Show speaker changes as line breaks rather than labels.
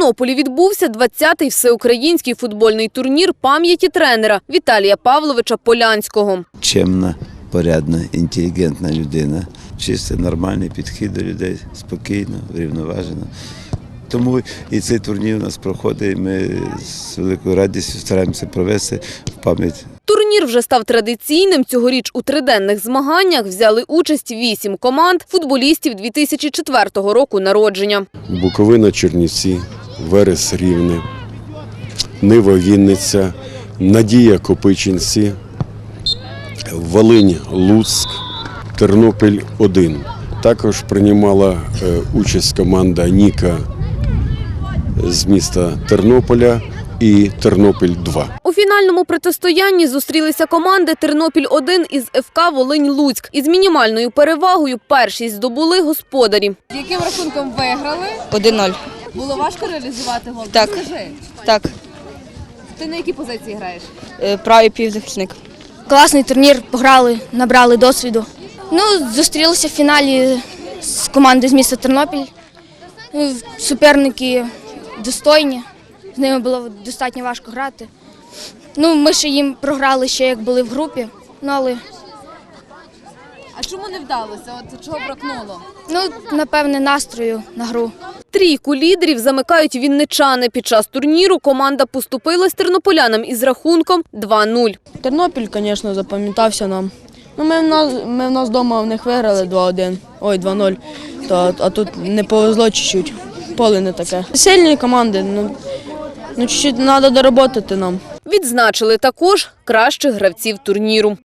Тернополі відбувся 20-й всеукраїнський футбольний турнір пам'яті тренера Віталія Павловича Полянського.
Чемна, порядна, інтелігентна людина, чистий, нормальний підхід до людей, спокійно, врівноважено. Тому і цей турнір у нас проходить, і ми з великою радістю стараємося провести в пам'ять.
Турнір вже став традиційним. Цьогоріч у триденних змаганнях взяли участь 8 команд футболістів 2004 року народження.
Буковина – Чернівці, Верес – Рівне, Нива – Вінниця, Надія – Копичинці, Волинь – Луцьк, Тернопіль – 1. Також приймала участь команда «Ніка» з міста Тернополя і Тернопіль-2.
У фінальному протистоянні зустрілися команди Тернопіль-1 із ФК Волинь-Луцьк. Із мінімальною перевагою першість здобули господарі.
Яким рахунком виграли?
1-0.
Було важко реалізувати гол?
Так.
Скажи,
Так,
ти на якій позиції граєш?
правий півзахисник.
Класний турнір, пограли, набрали досвіду. Зустрілися в фіналі з командою з міста Тернопіль. Суперники достойні, з ними було достатньо важко грати. Ми ще їм програли ще як були в групі, але
А чому не вдалося? От чого бракнуло?
напевне настрою на гру.
Трійку лідерів замикають вінничани. Під час турніру команда поступилась тернополянам із рахунком 2-0.
Тернопіль, звісно, запам'ятався нам. Ми в нас вдома в них виграли 2-0, а тут не повезло чуть-чуть, поле не таке. Сильні команди, чуть-чуть треба дороботати нам.
Відзначили також кращих гравців турніру.